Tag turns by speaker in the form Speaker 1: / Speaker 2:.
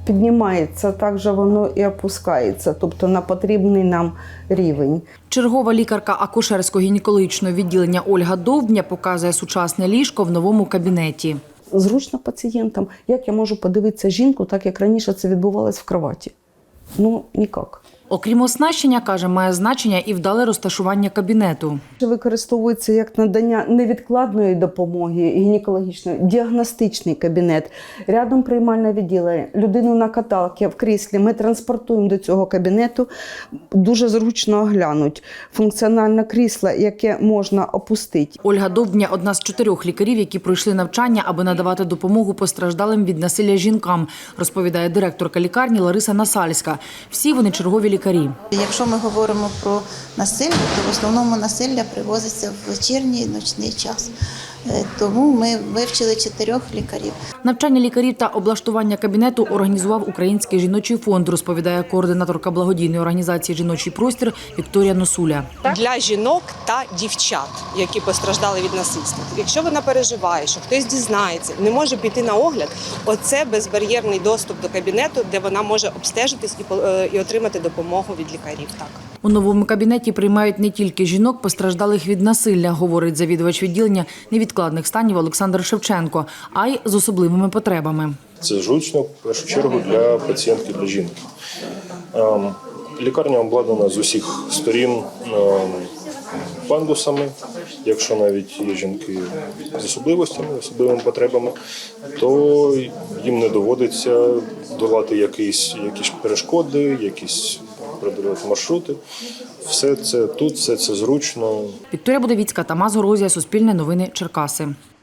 Speaker 1: піднімається, так же воно і опускається, тобто на потрібний нам рівень.
Speaker 2: Чергова лікарка акушерсько-гінекологічного відділення Ольга Довбня показує сучасне ліжко в новому кабінеті.
Speaker 1: Зручно пацієнтам. Як я можу подивитися жінку, так як раніше це відбувалось в кроваті? Ну, ніяк.
Speaker 2: Окрім оснащення, каже, має значення і вдале розташування кабінету.
Speaker 1: Використовується як надання невідкладної допомоги, гінекологічної, діагностичний кабінет. Рядом приймальне відділення, людину на каталці, в кріслі. Ми транспортуємо до цього кабінету, дуже зручно оглянуть. Функціональне крісло, яке можна опустити.
Speaker 2: Ольга Довбня – одна з 4 лікарів, які пройшли навчання, аби надавати допомогу постраждалим від насилля жінкам, розповідає директорка лікарні Лариса Насальська. Всі вони чергові лікарі.
Speaker 3: Якщо ми говоримо про насилля, то в основному насилля привозиться в вечірній, ночний час. Тому ми вивчили 4 лікарів.
Speaker 2: Навчання лікарів та облаштування кабінету організував Український жіночий фонд, розповідає координаторка благодійної організації «Жіночий простір» Вікторія Носуля.
Speaker 4: Для жінок та дівчат, які постраждали від насильства. Якщо вона переживає, що хтось дізнається, не може піти на огляд, оце безбар'єрний доступ до кабінету, де вона може обстежитись і отримати допомогу від лікарів. Так.
Speaker 2: У новому кабінеті приймають не тільки жінок, постраждалих від насилля, говорить завідувач відділення невідкладних станів Олександр Шевченко, а й з особливими потребами.
Speaker 5: Це зручно, в першу чергу, для пацієнтки, для жінки. Лікарня обладнана з усіх сторін пандусами. Якщо навіть є жінки з особливостями, особливими потребами, то їм не доводиться долати якісь перешкоди, якісь продовжувати маршрути. Все це тут, все це зручно.
Speaker 2: Вікторія Будовіцька, Тамас Горозія, Суспільне новини, Черкаси.